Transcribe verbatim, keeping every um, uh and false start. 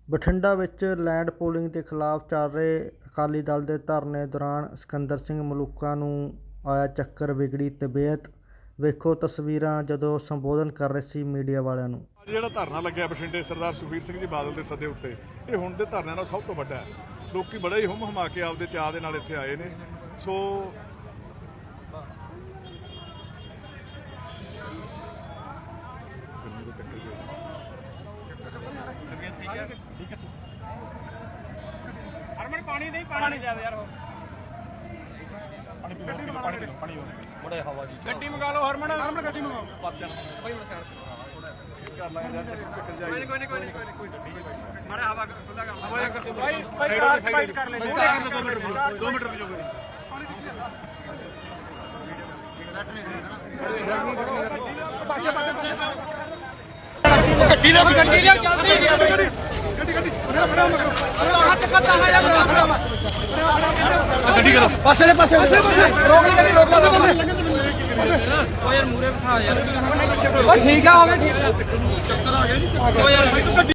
ਬਠਿੰਡਾ ਵਿੱਚ land pooling ਦੇ ਖਿਲਾਫ ਚੱਲ ਰਹੇ ਅਕਾਲੀ ਦਲ ਦੇ ਧਰਨੇ ਦੌਰਾਨ ਸਿਕੰਦਰ ਸਿੰਘ ਮਲੂਕਾ ਨੂੰ ਆਇਆ ਚੱਕਰ, ਵਿਗੜੀ ਤਬੀਅਤ। ਵੇਖੋ ਤਸਵੀਰਾਂ ਜਦੋਂ ਸੰਬੋਧਨ ਕਰ ਰਹੇ ਸੀ ਮੀਡੀਆ ਵਾਲਿਆਂ ਨੂੰ। ਜਿਹੜਾ ਧਰਨਾ ਲੱਗਿਆ ਬਠਿੰਡੇ ਸਰਦਾਰ ਸੁਖਬੀਰ ਸਿੰਘ ਜੀ ਬਾਦਲ ਦੇ ਸੱਦੇ ਉੱਤੇ, ਇਹ ਹੁਣ ਦੇ ਧਰਨਿਆਂ ਨਾਲ ਸਭ ਤੋਂ ਵੱਡਾ ਹੈ। ਲੋਕੀ ਬੜਾ ਹੀ ਹੁੰਮ ਹਮਾ ਕੇ ਆਪਦੇ ਚਾਅ ਦੇ ਨਾਲ ਇੱਥੇ ਆਏ ਨੇ। ਸੋ ਹਰਮਨ ਪਾਣੀ ਨਹੀਂ ਪਾਣੀ ਜ਼ਿਆਦਾ ਯਾਰ ਪਾਣੀ ਪੀਓ ਪਾਣੀ ਪੀਓ ਪਾਣੀ ਬੜਾ ਹਵਾ ਜੀ ਗੱਡੀ ਮੰਗਾ ਲਓ ਹਰਮਨ ਹਰਮਨ ਗੱਡੀ ਮੰਗਾਓ ਪਾਪਿਆਂ ਭਾਈ ਹੁਣ ਕਰ ਲਾਂਗੇ ਯਾਰ ਚੱਕਰ ਜਾਈ ਕੋਈ ਨਹੀਂ ਕੋਈ ਨਹੀਂ ਕੋਈ ਨਹੀਂ ਕੋਈ ਨਹੀਂ ਮਾੜਾ ਹਵਾ ਖੁੱਲਾ ਕੰਮ ਭਾਈ ਭਾਈ ਰਾਤ ਫਾਈਟ ਕਰ ਲੈ ਦੋ ਮਿੰਟ ਦੋ ਮਿੰਟ ਰੁਕ ਜਾਓ ਗੱਡੀ ਲਿਆ ਗੱਡੀ ਲਿਆ ਚੱਲਦੀ ਗੱਡੀ ਗੱਡੀ ਹੱਥ ਕੱਟਾ ਹੈ ਯਾਰ ਗੱਡੀ ਕਰੋ ਪਾਸੇ ਦੇ ਪਾਸੇ ਰੋਕ ਲਈ ਗੱਡੀ ਰੋਕ ਲਾ ਓ ਯਾਰ ਮੂਰੇ ਬਿਠਾ ਯਾਰ ਓ ਠੀਕ ਆ ਹੋ ਗਿਆ ਠੀਕ ਚੱਕਰ ਆ ਗਿਆ ਜੀ ਓ ਯਾਰ